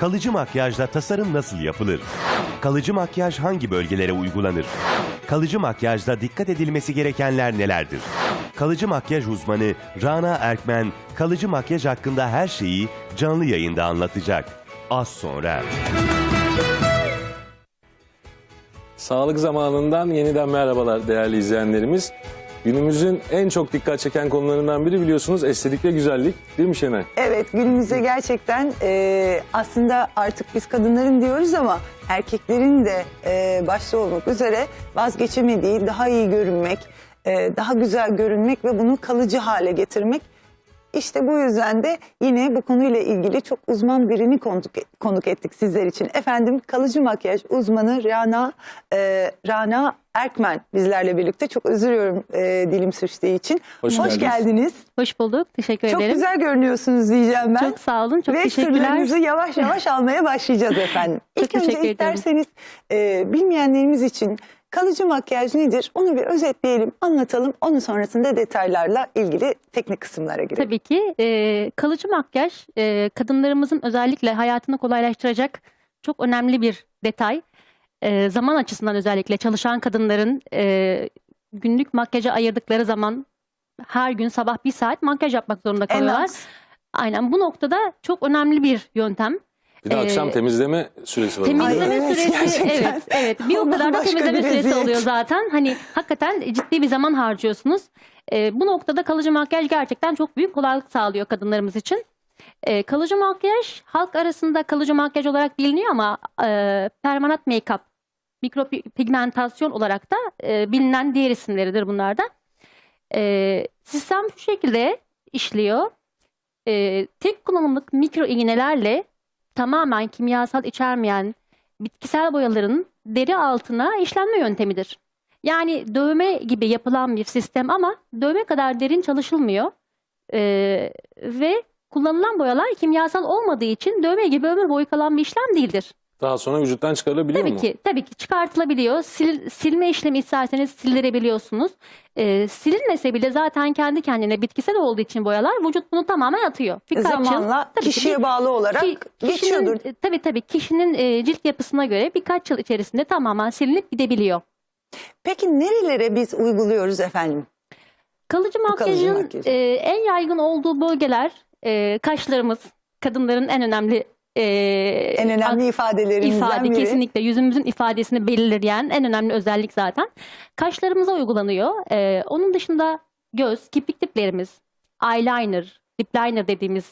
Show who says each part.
Speaker 1: Kalıcı makyajla tasarım nasıl yapılır? Kalıcı makyaj hangi bölgelere uygulanır? Kalıcı makyajda dikkat edilmesi gerekenler nelerdir? Kalıcı makyaj uzmanı Rana Erkmen, kalıcı makyaj hakkında her şeyi canlı yayında anlatacak. Az sonra.
Speaker 2: Sağlık zamanından yeniden merhabalar değerli izleyenlerimiz. Günümüzün en çok dikkat çeken konularından biri biliyorsunuz estetik ve güzellik, değil mi Şenay?
Speaker 3: Evet, günümüzde gerçekten aslında artık biz kadınların diyoruz ama erkeklerin de başta olmak üzere vazgeçemediği daha iyi görünmek, daha güzel görünmek ve bunu kalıcı hale getirmek. İşte bu yüzden de yine bu konuyla ilgili çok uzman birini konuk ettik sizler için. Efendim, kalıcı makyaj uzmanı Rana Erkmen bizlerle birlikte. Çok özür diliyorum dilim sürçtüğü için. Hoş geldiniz.
Speaker 4: Hoş bulduk. Teşekkür
Speaker 3: Çok
Speaker 4: ederim.
Speaker 3: güzel görünüyorsunuz diyeceğim ben.
Speaker 4: Çok sağ olun. Çok
Speaker 3: Ve
Speaker 4: teşekkürler.
Speaker 3: sırlarınızı yavaş yavaş almaya başlayacağız efendim.
Speaker 4: Çok
Speaker 3: İlk önce
Speaker 4: teşekkür ederim.
Speaker 3: isterseniz bilmeyenlerimiz için kalıcı makyaj nedir? Onu bir özetleyelim, anlatalım. Onun sonrasında detaylarla ilgili teknik kısımlara girelim.
Speaker 4: Tabii ki kalıcı makyaj kadınlarımızın özellikle hayatını kolaylaştıracak çok önemli bir detay. Zaman açısından özellikle çalışan kadınların günlük makyaja ayırdıkları zaman her gün sabah 1 saat makyaj yapmak zorunda
Speaker 3: En
Speaker 4: kalıyorlar.
Speaker 3: az.
Speaker 4: Aynen, bu noktada çok önemli bir yöntem.
Speaker 2: Bir de akşam temizleme süresi var.
Speaker 4: Temizleme
Speaker 3: Ay, evet,
Speaker 4: süresi,
Speaker 3: gerçekten.
Speaker 4: evet. Bir o
Speaker 3: Ondan
Speaker 4: kadar da
Speaker 3: başka
Speaker 4: temizleme
Speaker 3: bir
Speaker 4: süresi
Speaker 3: eziyet.
Speaker 4: oluyor zaten. Hani hakikaten ciddi bir zaman harcıyorsunuz. Bu noktada kalıcı makyaj gerçekten çok büyük kolaylık sağlıyor kadınlarımız için. Kalıcı makyaj halk arasında kalıcı makyaj olarak biliniyor ama permanent make-up, mikropigmentasyon olarak da bilinen diğer isimleridir bunlar da. Sistem şu şekilde işliyor. Tek kullanımlık mikro iğnelerle tamamen kimyasal içermeyen bitkisel boyaların deri altına işlenme yöntemidir. Yani dövme gibi yapılan bir sistem ama dövme kadar derin çalışılmıyor. Ve kullanılan boyalar kimyasal olmadığı için dövme gibi ömür boyu kalan bir işlem değildir.
Speaker 2: Daha sonra vücuttan çıkarılabiliyor mu?
Speaker 4: Tabii ki çıkartılabiliyor. Silme işlemi isterseniz sildirebiliyorsunuz. Silinmese bile zaten kendi kendine bitkisel olduğu için boyalar vücut bunu tamamen atıyor.
Speaker 3: Zamanla
Speaker 4: tabii ki
Speaker 3: kişiye bağlı olarak geçiyordur.
Speaker 4: Tabii kişinin cilt yapısına göre birkaç yıl içerisinde tamamen silinip gidebiliyor.
Speaker 3: Peki nerelere biz uyguluyoruz efendim?
Speaker 4: Kalıcı makyajın en yaygın olduğu bölgeler kaşlarımız, kadınların en önemli
Speaker 3: ifadelerinden biri.
Speaker 4: Kesinlikle yüzümüzün ifadesini belirleyen en önemli özellik zaten. Kaşlarımıza uygulanıyor. Onun dışında göz, kirpik diplerimiz, eyeliner, lip liner dediğimiz